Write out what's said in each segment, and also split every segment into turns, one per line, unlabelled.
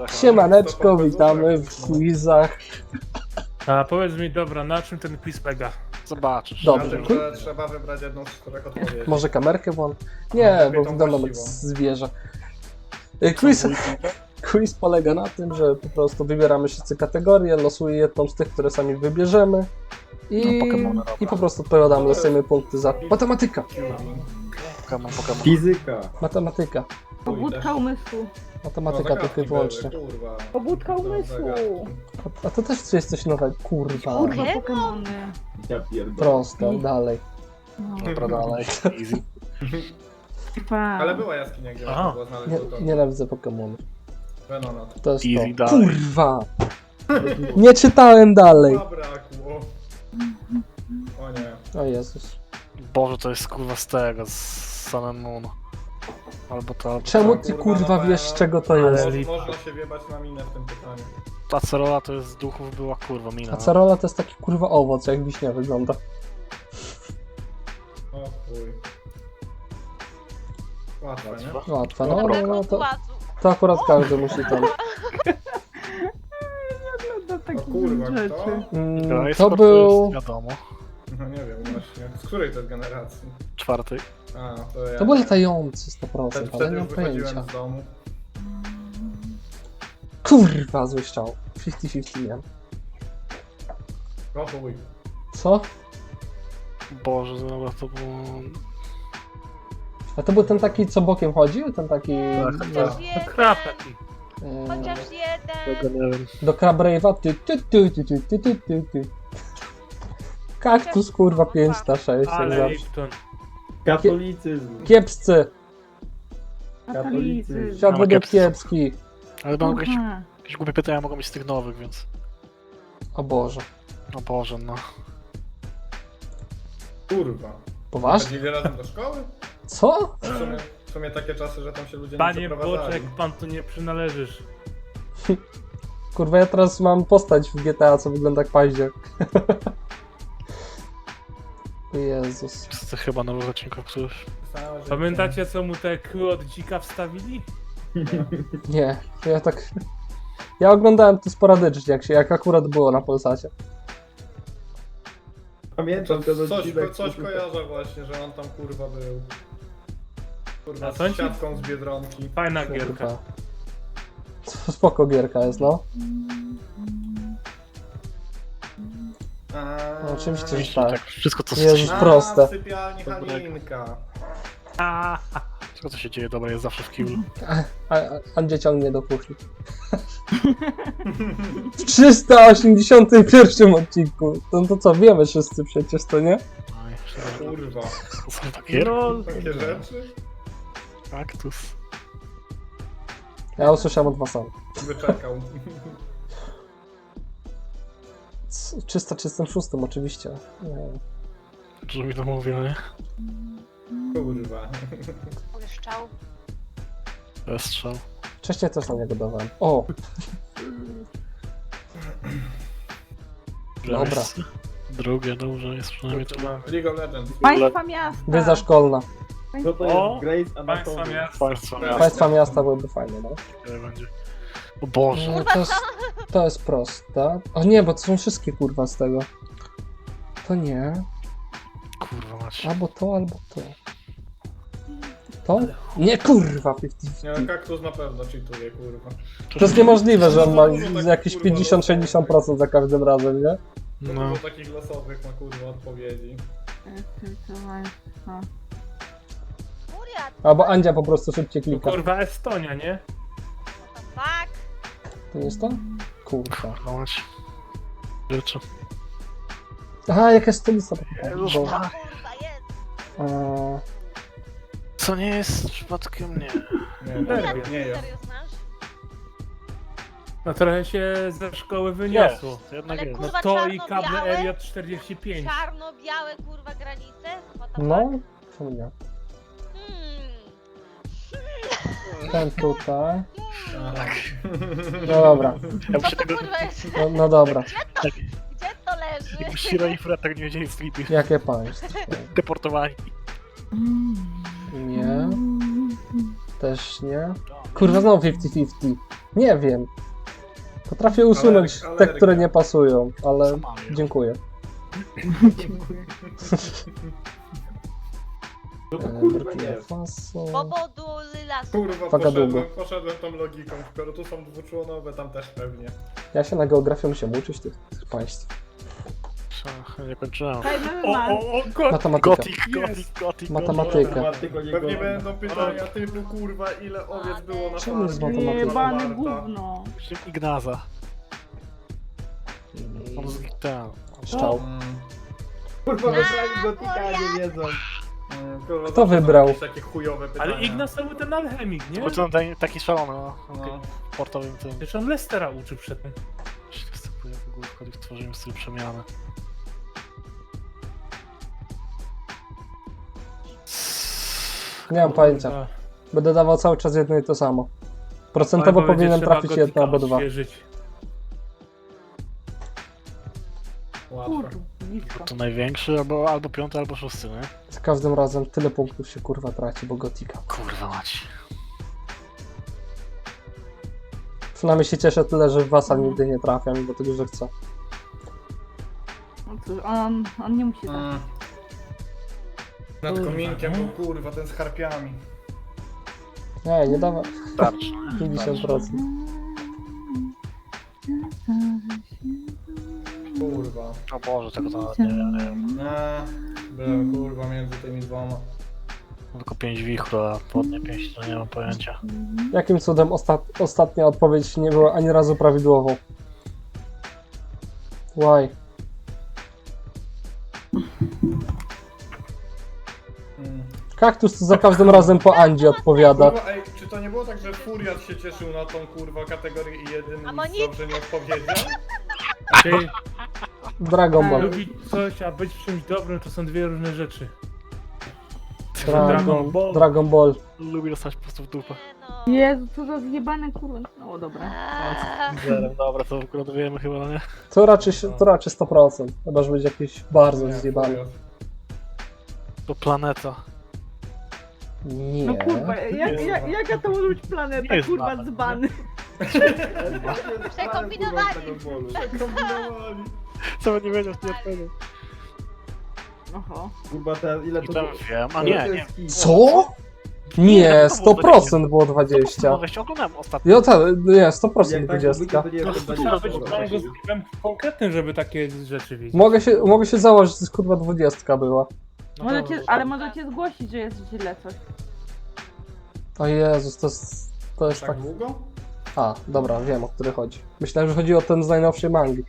Siemaneczko, witamy w quizach.
A powiedz mi, dobra, na czym ten quiz polega?
Zobaczysz.
Dobrze.
Na tym, że trzeba wybrać jedną z czterech odpowiedzi.
Może kamerkę włącz? Nie,
lepiej
bo
tą
wyglądam jak
właściwą.
zwierzę. Quiz polega na tym, że po prostu wybieramy wszyscy kategorie, losuję jedną z tych, które sami wybierzemy i po prostu odpowiadamy, dostajemy punkty za matematyka.
Pokémon.
Fizyka.
Matematyka.
Pobudka umysłu.
Matematyka tylko i wyłącznie.
Kurwa.
Pobudka umysłu.
A to też jest coś nowego. Kurwa.
Kurwa, Pokemony.
Ja pierdolę.
Prosto, dalej.
No,
Dobra, dalej. Easy.
Ale była jaskinia, gdzie
Aha.
można było znaleźć złoto.
Nienawidzę Pokemonów.
Venonat.
To jest
Easy,
to.
dalej.
Kurwa! Nie czytałem dalej.
Zabrakło. O nie.
O Jezus.
Boże, to jest kurwa z tego, z Sun and Moon. Albo to...
Czemu ty kurwa
na
wiesz,
pewno.
czego to jest?
Można się wiebać na minę w tym pytaniu.
Ta cerola to jest z duchów była kurwa mina.
Acerola to jest taki kurwa owoc, jak wiśnia wygląda.
O chuj. Łatwe, nie?
Łatwe,
No,
no to akurat każdy musi tam.
do
O
takich
kurwa, kto?
rzeczy.
Graj,
To
sport
był...
jest wiadomo.
No nie wiem właśnie. Z której to jest generacji?
Czwarty.
A, to ja.
To był latający 100%, ale
Wtedy
nie mam
już wychodziłem
pojęcia.
z domu.
Kurwa, zły strzał. 50-50 miałem.
O chuj.
Co?
Boże, dobra, to było...
A to był ten taki, co bokiem chodził? Ten taki...
Chociaż
To
jeden,
krap taki.
chociaż jeden.
Tego nie wiem.
Do Krabrave'a. Ty. Kaktus kurwa 5 na 6, jak
Ale
zawsze.
Lipton.
Katolicyzm.
Kiepscy!
Katolicy.
Świat
No,
według
kiepscy.
kiepski.
Ale mam jakieś,
Aha.
jakieś głupie pytania mogą być z tych nowych, więc...
O Boże.
O Boże, no.
Kurwa.
Poważnie?
Chodzili razem do szkoły?
Co?
W sumie takie czasy, że tam się ludzie nie
Panie
przeprowadzali.
Boczek, pan tu nie przynależysz.
Kurwa, ja teraz mam postać w GTA, co wygląda jak paździak. Jezus.
To chyba nowy odcinek któryś.
Całe życie.
Pamiętacie, co mu te kły od dzika wstawili?
Nie, ja tak... Ja oglądałem to sporadycznie, jak akurat było na Polsacie.
Pamiętam ten odcinek.
Coś kojarzę właśnie, że on tam kurwa był. Kurwa,
A
z
sądzi-
siatką z Biedronki.
Fajna gierka.
Kurwa. Spoko gierka jest, no. No, oczywiście, że tak.
Tak, wszystko co
Jezus,
się,
proste.
W sypialni Halinka.
wszystko co się dzieje dobre jest zawsze w kiblu.
Andzie ciągnie do kuchni. W 381 odcinku. No to co, wiemy wszyscy przecież, to nie?
No i myślę, że
Kurwa.
to są takie
No,
Takie rzeczy?
kaktus.
Ja usłyszałem od was sam.
Wyczekał.
336 oczywiście. Nie.
Dużo mi to mówi, no nie?
Kurwa.
Błyszczał.
To jest strzał.
Wcześniej też na niego dawałem. O! Dobra.
Jest. Drugie, dobrze, jest przynajmniej to.
League of Legends.
Państwa miasta.
Wiedza szkolna.
Co to
O,
jest? Grace
państwa
Anatomy.
miasta.
Państwa miasta
Państwa miasta byłyby fajne, no.
będzie. O Boże.
To jest proste. O nie, bo to są wszystkie kurwa z tego. To nie.
Kurwa macie.
Albo to, albo to. To? Nie, kurwa, 50-50.
Nie, no, kaktus na pewno cheatuje, kurwa.
To jest niemożliwe, że on ma
Dużo takich,
jakieś
kurwa,
50-60% za każdym razem, nie?
No.
No.
Dużo takich losowych ma kurwa odpowiedzi.
Furiat.
Albo Andzia po prostu szybciej klika.
Kurwa, Estonia, nie?
What the fuck?
To nie jest to? Kurwa.
Kurwa macie. Rzeczy.
Aha, jaka stolica.
Jezus
Bo,
Maria.
Kurwa, jest.
Co nie jest przypadkiem nie.
Nie jest.
Serio znasz?
No trochę się ze szkoły wyniosło.
To jednak
Ale
jest.
No
kurwa,
to i
czarno-białe?
kable Area 45.
Czarno-białe kurwa granice? What the
no,
fuck?
czemu nie?
Hmm.
Ten tutaj.
Aha.
No dobra,
Ja bym
Co
się
to
tego...
kurwa jest?
no dobra.
Gdzie to leży?
Jakby Shiro i Fred tak nie wiedzieli z Filipi.
Jakie państwo?
Deportowani.
Nie. Też nie. Kurwa, znowu 50-50. Nie wiem. Potrafię usunąć te,
alergia.
które nie pasują, ale
Co mamy?
dziękuję.
No to kurwa
Burkina
nie.
Faso.
Powodu lasu.
Kurwa,
Wagadugo.
poszedłem tą logiką, skoro tu są dwuczłonowe, tam też pewnie.
Ja się na geografię muszę uczyć tych państw.
Nie kończyłem.
Fajny
O,
man.
o, o, god.
Matematyka.
Gotik.
Matematyka.
Matematyko nie
Pewnie
go-
będą pytania typu, kurwa, ile owiec było na
Czemu jest
farmie,
matematyka?
Jebane
Marta.
gówno.
Ignaza. On z ten.
Szczał.
Kurwa, wybrali gotika, nie wiedzą.
Kurwa,
Kto
zawsze
wybrał?
jakieś takie chujowe pytania.
Ale Ignas to był ten alchemik, nie?
Bo ten taki szalony, no.
No.
W portowym tym.
Przecież on Lestera uczył przedtem.
Występuje w ogóle wchodzi w tworzeniu stylu przemiany.
Nie mam pojęcia.
Kurwa.
Będę dawał cały czas jedno i to samo. Procentowo
Albo będzie
powinienem
trzeba
trafić
gotika
jedno albo dwa.
odświeżyć.
Łatwo.
Kurwisko.
To największy, albo piąty, albo szósty, nie?
Za każdym razem tyle punktów się kurwa traci, bo gotika.
Kurwa mać.
Przynajmniej się cieszę tyle, że w Wasa nigdy nie trafiam, bo tego, że chcę.
No cóż, on nie musi tak.
Nad
Kurwa,
kominkiem
no.
był, kurwa, ten z harpiami.
Nie dawaj.
Starczy.
50%.
Kurwa.
O Boże, tego to nawet nie wiem.
Byłem, kurwa, między tymi dwoma.
Tylko 5 wichru, a podnie 5 to nie mam pojęcia.
Jakim cudem ostatnia odpowiedź nie była ani razu prawidłową? Why? Kaktus to za każdym razem po Andzie odpowiada.
Kurwa, ej, czy to nie było tak, że Furiat się cieszył na tą, kurwa, kategorię i jeden
A bo
nic
nic.
dobrze nie odpowiedział?
Ty,
Dragon Ball.
lubić coś, a być czymś dobrym to są dwie różne rzeczy.
Dragon Ball.
Lubię dostać po prostu w dupę.
Nie no.
Jezu, co za zjebane kurwa. No dobra.
Dobra, to akurat wiemy chyba, no nie?
To raczej 100%. Chyba, że będzie jakiś bardzo
Nie,
zjebany.
Furiat.
To planeta.
Nie.
No kurwa, jaka to może być
Nie
planeta,
jest
kurwa,
nawet,
dzbany.
Przekombinowali.
Kombinowali.
Co by nie wiedział, nie odpowiedział.
Oho.
Kurwa, ile
I
to
tam
było?
wiem, a
To
nie,
jest
nie.
hit.
Co? Nie, 100% było 20.
No weź oglądałem ostatnio.
Jo, nie,
Jak
100%
tak
20.
to nie
No
jest
to
20.
trzeba być bardzo sklepem konkretnym, żeby takie rzeczy widzieć.
Mogę się założyć, że kurwa 20 była.
No
Możecie,
dobra.
ale możecie zgłosić, że jest źle coś.
O Jezus, to jest tak...
Tak długo?
A, dobra, wiem o który chodzi. Myślałem, że chodzi o ten z najnowszej mangi.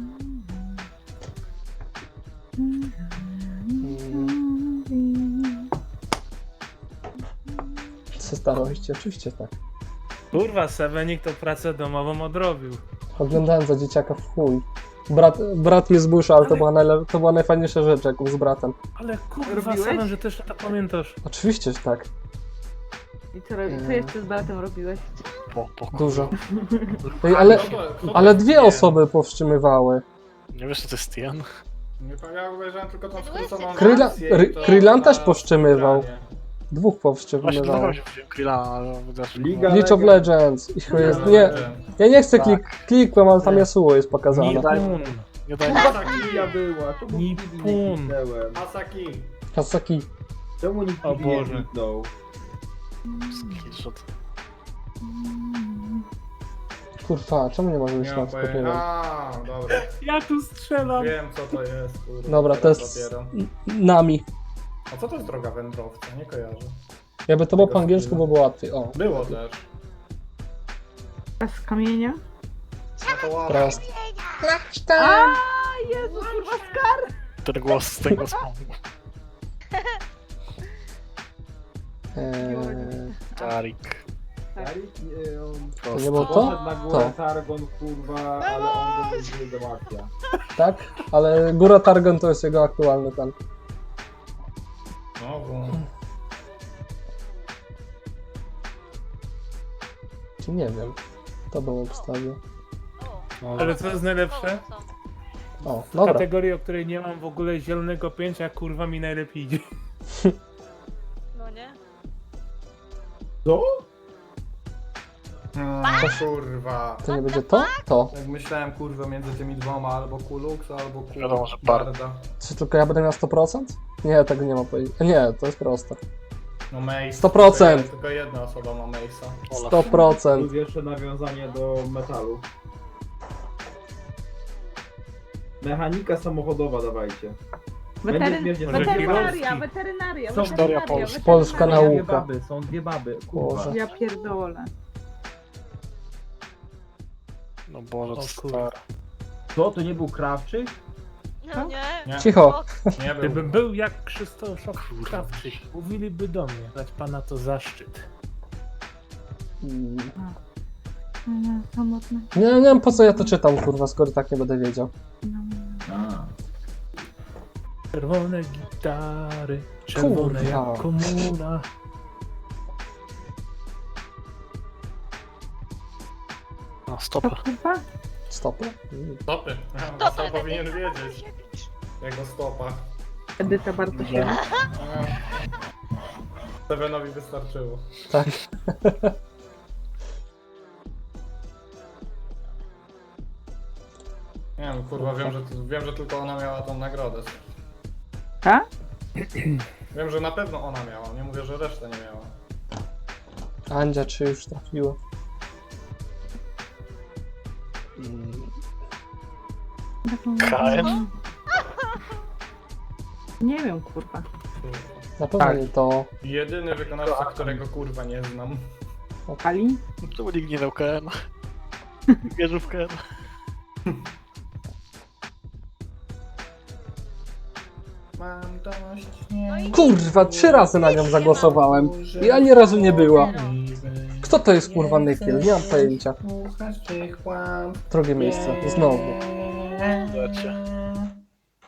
Co starości? Oczywiście tak.
Kurwa, Sevenik to pracę domową odrobił.
Oglądałem za dzieciaka w chuj. Brat mnie zmusza, ale to była najfajniejsza rzecz, jaką z bratem.
Ale kurwa,
Robiłeś?
Seven, że też to pamiętasz.
Oczywiście, że tak.
I co jeszcze z bratem robiłeś?
Dużo. Ej, ale,
Kto to
ale
jest
dwie
Tien?
osoby powstrzymywały.
Nie wiesz, co to jest Tien?
Nie, to ja obejrzałem tylko tą skróconą
Kryla-
wersję i to
Krylan też
na
powstrzymywał.
pytanie.
Dwóch
Właśnie
powstrzymywało.
dlatego się wziąłem Krillana, ale wydasz...
Liga
League of Legends. Ich jest, nie, ja nie chcę klikłem, ale tam Yasuo jest pokazane.
Nipun.
Nie daj
Kurwa, Kilia była. Czemu
Nippon.
Kiwi nie kliknąłem?
Asaki.
Hasaki.
Czemu nikt
O
Kiwi nie
Boże.
kliknął?
skillshot.
Kurwa, czemu nie może być
Nie
na
mam pojęcia.
skopieniu?
A, dobra.
Ja tu strzelam.
Wiem co to jest, kurwa.
Dobra, to
teraz
jest
dopiero.
Nami.
A co to jest droga wędrowca? Nie kojarzę.
Jakby to było po angielsku, by było łatwiej. O,
Było też.
A z kamienia?
No to ładnie.
teraz.
A Jezu, kurwa, skar!
Ten głos, ten głos mam. Tarik.
Tarik, on
To nie było to?
poszedł na górę
To.
Targon, kurwa, ale on go nie załatwia.
Tak? Ale Góra Targon to jest jego aktualny ten.
Znowu.
Czy nie wiem. To bym obstawił.
Ale co jest najlepsze?
O,
W
dobra.
kategorii, o której nie mam w ogóle zielonego pojęcia, kurwa mi najlepiej idzie.
No nie?
Co?
Kurwa.
To nie będzie to? To.
Jak myślałem kurwa między tymi dwoma, albo Kulux, albo
Wiadomo, że Barda.
Barda.
Czy tylko ja będę miał 100%? Nie, tego nie ma pojęcia. Nie, to jest proste.
No Mace.
100%.
Tylko jedna osoba ma Mace'a.
100%.
Plus jeszcze nawiązanie do metalu. Mechanika samochodowa dawajcie. śmiesznie,
Weterynaria,
są
weterynaria,
Są
weterynaria,
Polska.
Polska
weterynaria.
Są dwie
nauka.
baby, są dwie baby. Kurwa.
Boże.
Ja pierdolę.
No Boże, to
O kurwa.
stary.
Co, to nie był Krawczyk?
No nie.
Nie,
Cicho.
nie był.
Gdybym był jak Krzysztof Krawczyk, mówiliby do mnie. Dać pana to zaszczyt.
Mm.
Samotne.
Nie wiem po co ja to czytam, kurwa, skoro tak nie będę wiedział.
A.
Czerwone gitary, czerwone
Kurwa.
jak komuna.
No stopę.
Kurwa?
Stopy.
Stopy.
To
To powinien wiedzieć. Jego stopa.
Edyta Bartosiewicz.
Stevenowi wystarczyło.
Tak.
Nie wiem, kurwa, wiem, że tylko ona miała tą nagrodę.
Tak?
Wiem, że na pewno ona miała, nie mówię, że reszta nie miała.
Andzia, czy już trafiło?
KM?
Nie wiem, kurwa.
Na pewno
Tak.
nie to.
Jedyny wykonawca, którego kurwa nie znam.
Ali?
Czemu nikt nie dał KM? Wierzył w KM.
Mam dość
Kurwa, 3 razy na nią zagłosowałem i ani razu nie była. Kto to jest kurwa Nykiel? Nie mam pojęcia. Drugie miejsce, znowu.
Lecie.